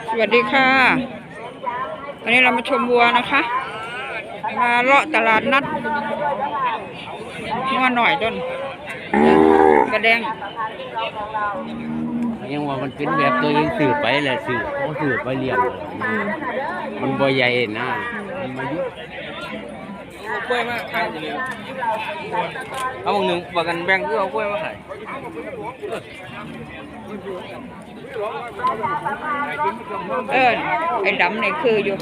สวัสดีค่ะวันนี้เรามาชมวัวนะคะมาเลาะตลาดนัดงัวหน่อยต้นกระแดงยังว่ามันเป็นแบบตัวยังสื่อไปแหละสื่อเขาสื่อไปเลี้ยงมันบ่ใหญ่นะมันมายุกล้วยมากขายเลยเอาหนึ่งว่ากันแบ่งก็เอากล้วยมาขายไอ้ดำนี่คืออยู่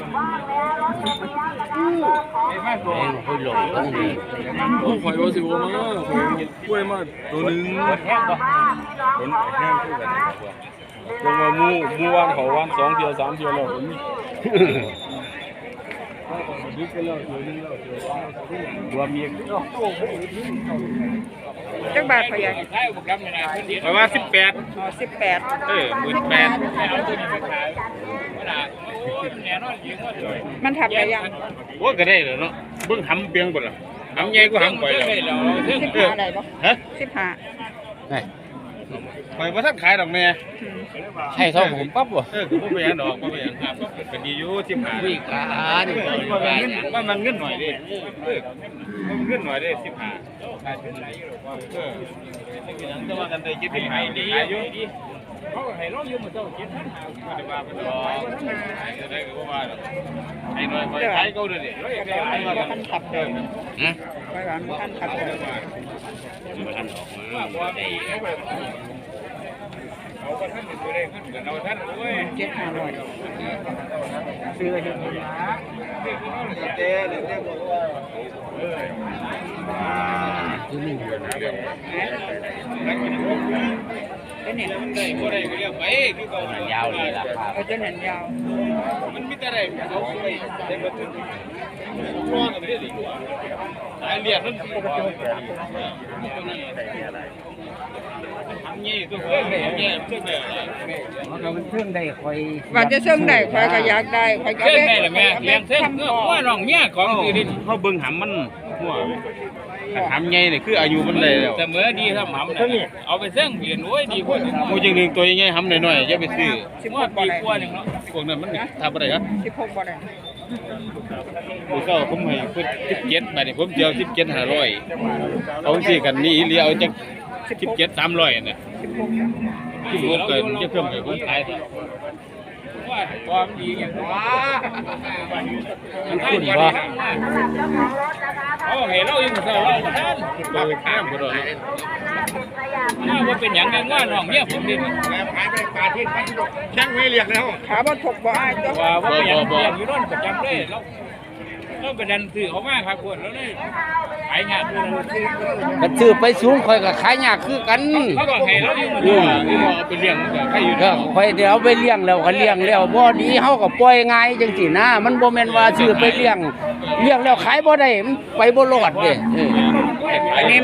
แม่งค่อยหลงต้องดีข่อยว่าสิว่ามาข่อยกล้วยมาตัวนึงคนแห้งก็คนแห้งคู่กันยังว่ามูวันเขาวัน2 เที่ยว 3 เที่ยวแล้วผมยึดไปแล้วตัวนึงแล้วรวมอีกจักบาทพยายเพราะว่า18 18,000 มันทับได้ยังว่าก็ได้แล้วเนาะเบิ่งหำเปียงบ่ล่ะหำใหญ่กว่าหำข่อยแล้ว 15ได้บ่ฮะ 15 ได้ข่อยบ่ทันขายดอกแม่ใช่เท่าผมปั๊บบ่คือบ่เป็นหยังดอกบ่เป็นหยังครับก็ดีอยู่15 นี่การมันเงินหน่อยดิมันเงินหน่อยดิ15ขายเป็นไรอยู่หรอกว่าเป็นหยังแต่ว่ากันได้คิดให้ดีอยู่เขาก็ให้ร้องอยู่มื้อเช้า7,500บ่ได้ว่าเป็นดอกจะได้ก็บ่ว่าดอกให้หน่อยข่อยขายเก่าเด้อนี่ให้ว่ากันทับเด้อไปหวานบ่ทันทับมันทันออกมาได้เอาบ่ทันสิได้เงินกันเอาทันโอ้ย 7,500 ซื้อให้เพิ่นเด้เด้บ่ว่าคือหนึ่งเป็นนี่ได้บ่ได้ก็เรียกไปคือเก่ายาวเลยล่ะครับเอาจนนั้นยาวมันมีแต่ได้เอาไปได้บ่ถึงรอกันได้ดีกว่าสายเลียดมันทำงี้ตัวเพิ่นเนี่ยเพิ่นได้มันเครื่องได้คอยว่าจะเชิงได้ข่อยก็อยากได้ข่อยก็เด้แม่เลี้ยงเพิ่นว่าน้องเมียของคือดิเฮาเบิ่งหำมันหัวหำใหญ่นี่คืออายุมันได้แล้วเสมอดีทำหำน่ะเอาไปเสิ่งเปลี่ยนโอ้ยดีกว่าโอ้ยจังนึงตัวใหญ่หำน้อยๆอย่าไปซื้อว่าปีกว่านึงเนาะพวกนั้นมันทำบ่ได้ครับ 16บ่ได้มื้อเช้าผมให้เพิ่น17บาทนี่ผมสิเอา17,500เอาสิกันนี่อีหลีเอาจัก17,300น่ะ16เกินจะเพิ่มให้ผมขายว่าความดีอย่างว่ามันขึ้นบ่เอาให้เราอยู่เช้าเราท่านเปิดข้ามบ่ดอกว่าเป็นหยังไงว่าน้องเมียผมดิขายไปปลาที่พันดอกช่างไม่เรียกแล้วขาบ่ถกบ่อ้ายจ้ะว่าเป็นหยังเรียกอยู่นั่นประจำเลยเราเป็นดันซื้อเขามากครับพวกแล้วเลยขายยากก็ซื้อไปสูงค่อยก็ขายยากคือกันเขาก็ให้เราอยู่เอาไปเลี้ยงใครอยู่ก็ค่อยเดี๋ยวไปเลี้ยงแล้วก็เลี้ยงแล้วบ่ดีเฮาก็ปล่อยง่ายจังซี่นะมันบ่แม่นว่าซื้อไปเลี้ยงแล้วขายบ่ได้มันไปบ่รอดเด้อันนี้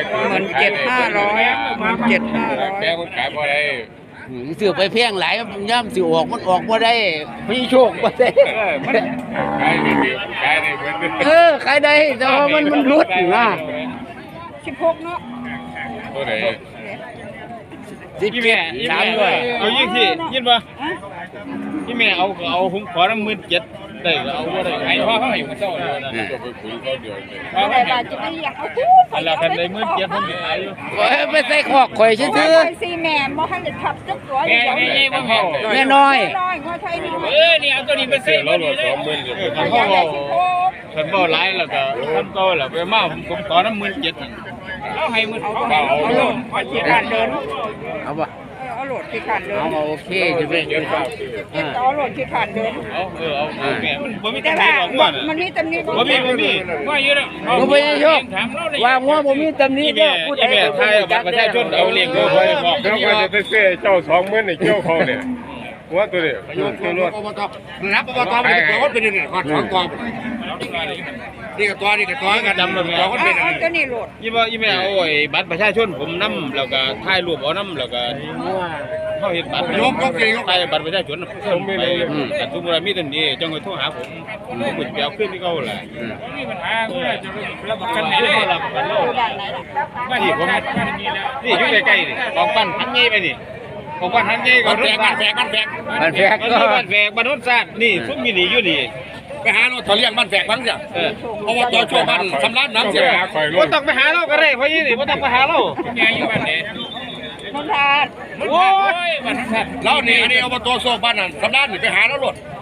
17,500 แต่คนขายบ่ได้ซื้อไปแพงหลายย่ำสิออกมันออกบ่ได้พี่โชคบ่ได้ขายได้ขายได้ขายได้แต่ว่ามันรุดนะ 16เนาะตัวไหนพี่แม่3ด้วยเอายิงสิยินบ่พี่แม่เอาผมขอน้ำ17,000ได้ก็เอาบ่ได้ให้พ่อเขาให้มื้อเช้าเลยนะก็ไปคุยเขาเดียวเลยแต่ว่าจะไม่อยากเอาพูดอันละคันได้17,000ผมสิขายอยู่ไปใส่คอกข่อยซื่อสิแม่บ่ทันได้ทับจักตัวแม่น้อยว่าไทยนี่นี่เอาตัวนี้ไปซื้อเรา20,000เลยคันบ่หลายแล้วก็คันโตแล้วไปมาผมขอน้ำ17,000เอาให้มื้อเอาลงพอสิการเดินเอาบ่เอาโหลดที่ขันเดินเอาโอเคจะเป็นเอาโหลดที่ขันเดินเอาแม่มันบ่มีตำหนิหรอกว่ามันมีตำหนิบ่มีว่าอยู่แล้วบ่ไปโชคว่างัวบ่มีตำหนิเด้อพูดแม่ไทยบัตรประชาชนเอาเลี้ยงบ่ค่อยบอกแล้วก็จะไปเสียเจ้า20,000นี่เกี่ยวเขาเนี่ยว่าตัวนี้ตัวรถรับอบตมันตัวเป็นนี่ขอ2กองนี่ก็ตัวกันดำเลยตัวคนเป็นอันตัวนี้โหลดยี่แม่เอาไอ้บัตรประชาชนผมนำแล้วก็ถ่ายรูปเอานำแล้วก็เฮาเฮ็ดบัตรถ่ายบัตรประชาชนผมไปแต่สมมุติว่ามีตำหนิจังได๋โทรหาผมสิไปเอาคืนที่เก่าล่ะมีปัญหาเมื่อจะรับประกันให้ได้รับประกันโลดมาที่ผมนี่อยู่ใกล้ๆนี่กองปั้นพันใหญ่ไปนี่ผมว่าทันใจก่อนบ้านแฝกมันแฝกก็บ้านแฝกบ้านโน้นซาดนี่ซุ่มมีดีอยู่ดีไปหาเราเขาเลี้ยงบ้านแฝกบ้างจ้ะเพราะว่าตัวช่วยบ้านสำลักน้ำเสียว่าต้องไปหาเราก็ได้เพราะยี่นี่ว่าต้องไปหาเราแกอยู่บ้านไหนนนทานโอ้ยบ้านเรานี่อันนี้เอามาตัวโซ่บ้านนั่นสำลักนี่ไปหาเราหลด